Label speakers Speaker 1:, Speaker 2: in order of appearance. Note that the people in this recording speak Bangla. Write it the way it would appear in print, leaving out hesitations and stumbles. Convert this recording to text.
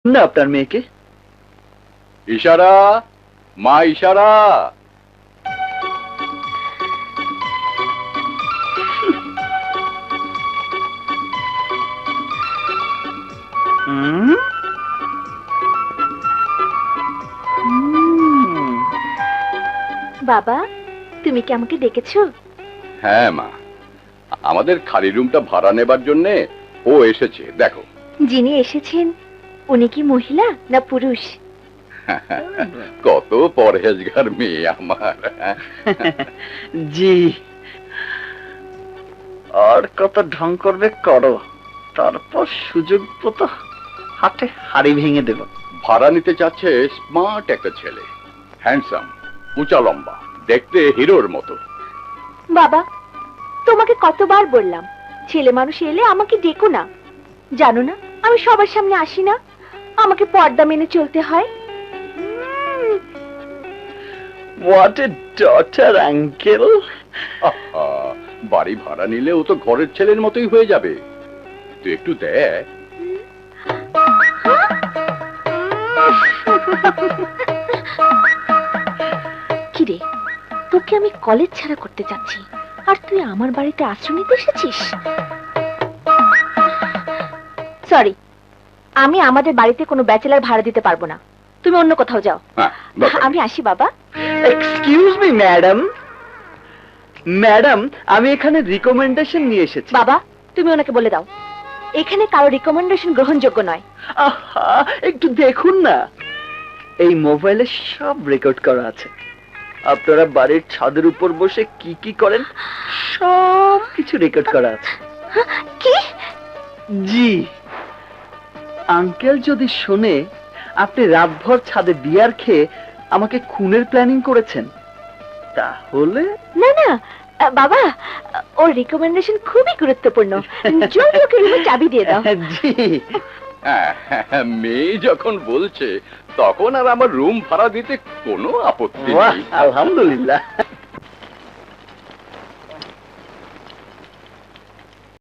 Speaker 1: না আপনার মেয়েকে।
Speaker 2: ইশারা, মা ইশারা।
Speaker 3: বাবা, তুমি কি আমাকে ডেকেছো?
Speaker 2: হ্যাঁ মা, আমাদের খালি রুমটা ভাড়া নেবার জন্য ও এসেছে। দেখো।
Speaker 3: যিনি এসেছেন উনি কি মহিলা না পুরুষ?
Speaker 2: কত পরহেজগার মেয়ে আমার।
Speaker 1: জি, আর কত ঢং করবে করো, তারপর সুযোগ মতো হাটে হাড়ি ভেঙে দেব।
Speaker 2: ভাড়া নিতে চাচ্ছে স্মার্ট একটা ছেলে, হ্যান্ডসাম, উঁচা লম্বা, দেখতে হিরোর মতো।
Speaker 3: বাবা, তোমাকে কতবার বললাম ছেলে মানুষ এলে আমাকে ডেকো না। জানো না আমি সবার সামনে আসি না, আমাকে পর্দা মেনে চলতে হয়।
Speaker 1: What a daughter uncle.
Speaker 2: আহা, বাড়ি ভাড়া নিলে ও তো ঘরের ছেলের মতোই হয়ে যাবে। তুই একটু দেখ।
Speaker 3: কিরে, তোকে আমি কলেজ ছাড়া করতে যাচ্ছি আর তুই আমার বাড়িতে আশ্রয় নিতে এসেছিস? সরি, আমি আমাদের বাড়িতে কোনো ব্যাচেলার ভাড়া দিতে পারবো না। তুমি অন্য কোথাও যাও।
Speaker 2: হ্যাঁ, দরকার নেই।
Speaker 3: আমি আসি বাবা।
Speaker 1: Excuse me madam. ম্যাডাম, আমি এখানে রিকমেন্ডেশন নিয়ে এসেছি।
Speaker 3: বাবা, তুমি ওনাকে বলে দাও এখানে কারো রিকমেন্ডেশন গ্রহণযোগ্য নয়।
Speaker 1: আহা, একটু দেখুন না, এই মোবাইলে সব রেকর্ড করা আছে। আপনারা বাড়ির ছাদের উপর বসে কি কি করেন সব কিছু রেকর্ড করা আছে।
Speaker 3: কি?
Speaker 1: জি, আঙ্কেল যদি শোনে আপনি রাতভর ছাদে বিয়ার খেয়ে আমাকে খুনের প্ল্যানিং করেছেন, তাহলে
Speaker 3: না না বাবা, ওর রিকমেন্ডেশন খুবই গুরুত্বপূর্ণ। জলদি ওকে রুমের চাবি দিয়ে দাও।
Speaker 1: জি।
Speaker 2: হ্যাঁ, মেয়ে যখন বলছে তখন আর আমার রুম ভাড়া দিতে কোনো আপত্তি
Speaker 1: বাহ,
Speaker 2: নেই।
Speaker 1: আলহামদুলিল্লাহ।